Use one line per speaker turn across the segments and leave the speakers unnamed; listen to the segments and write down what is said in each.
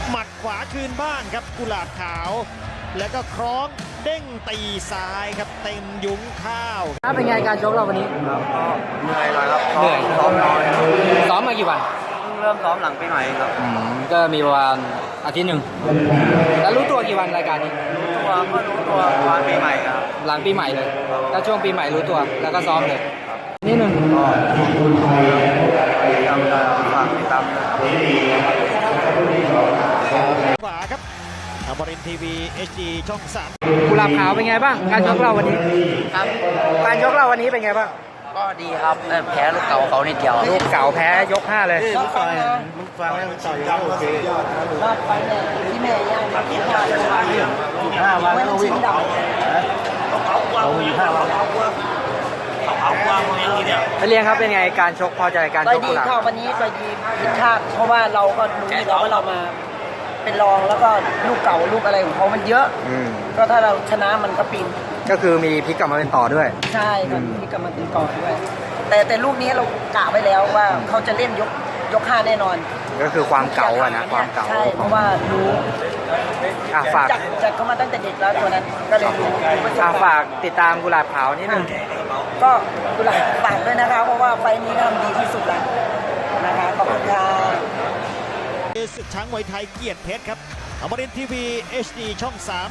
หมัดขวาคืนบ้านครับกุหลาบขาวแล้วก็คล้องเด้งตีซ้ายครับเต็มยุ้งข้าว
เป็นไงการชกเราวันนี้
ครับก็เหนื่อยหน่อยครับ
เหนื่อย
ซ้อมน้อย
ซ้อมมากี่วัน
เพิ่งเริ่มซ้อมหลังปีใหม่ครับ
ก็มีประมาณอาทิตย์หนึ่งแล้วรู้ตัวกี่วันรายการนี้
รู้ตัววันปีใหม่ครับ
หลังปีใหม่เลยก็ช่วงปีใหม่รู้ตัวแล้วก็ซ้อมเลยนิดนึง
ก็จำได้ฝากติดตาม
ขวาครับอมรินทร์ทีวี HD ช่อง
3กุหลาบขาวเป็นไงบ้างการชกเราวันนี้
ครับ
การชกเราวันนี้เป็นไงบ้าง
ก็ดีครับแพ้ลูกเก่าเขานิดเดียว
ลูกเก่าแพ้ยก5เลย
ลูกฟังแล้วต่อยโอเครอบไปเนี่ยที่แม่ย่างมาที่5 วันแล้ววิ่งเขามี5 วัน
ไปเรียนครับเป็นไงการชกพอใจการชกกุหลาบ
วันนี้ก็ดีผิดคาดเพราะว่าเราก็รู้อยู่แล้วว่าเรามาเป็นรองแล้วก็ลูกเก่าลูกอะไรของเขามันเยอะก็ถ้าเราชนะมันก็ปีน
ก็คือมีพลิกกลับมาเป็นต่อด้วย
ใช่ครับพลิกกลับมาเป็นต่อด้วยแต่ลูกนี้เรากะไว้แล้วว่าเขาจะเล่นยก5แน่นอน
ก็คือความเก่าอะนะความเก่า
ใช่เพราะว่ารู้
ฝาก
จัดเขามาตั้งแต่เด็กแล้วตัวนั้นก็เลยรู้
ฝากติดตามกุหลาบขาวนิดนึง
ก็กุหลาบฝากด้วยนะคะเพราะว่าไฟนี้ทำดีที่สุดแล้วนะคะขอบคุณค่ะ
ศึกช้างมวยไทยเกียรติเพชรครับอมรินทร์ทีวี HD ช่อง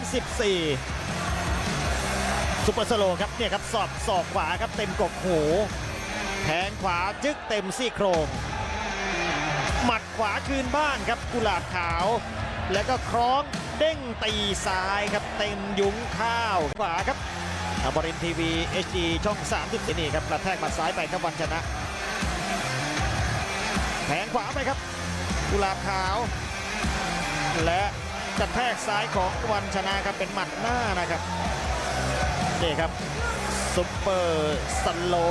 34ซุปเปอร์สโลครับเนี่ยครับศอกขวาครับเต็มกกหูแทงขวาจึ๊กเต็มซี่โครงหมัดขวาคืนบ้านครับกุหลาบขาวแล้วก็คล้องเด้งตีซ้ายครับเต็มยุ้งข้าวขวาครับอมรินทร์ทีวี HD ช่อง34นี่ครับกระแทกหมัดซ้ายไปครับวันชนะแทงขวาไปครับกุหลาบขาวและกระแทกซ้ายของวันชนะครับเป็นหมัดหน้านะครับนี่ครับซุปเปอร์สโล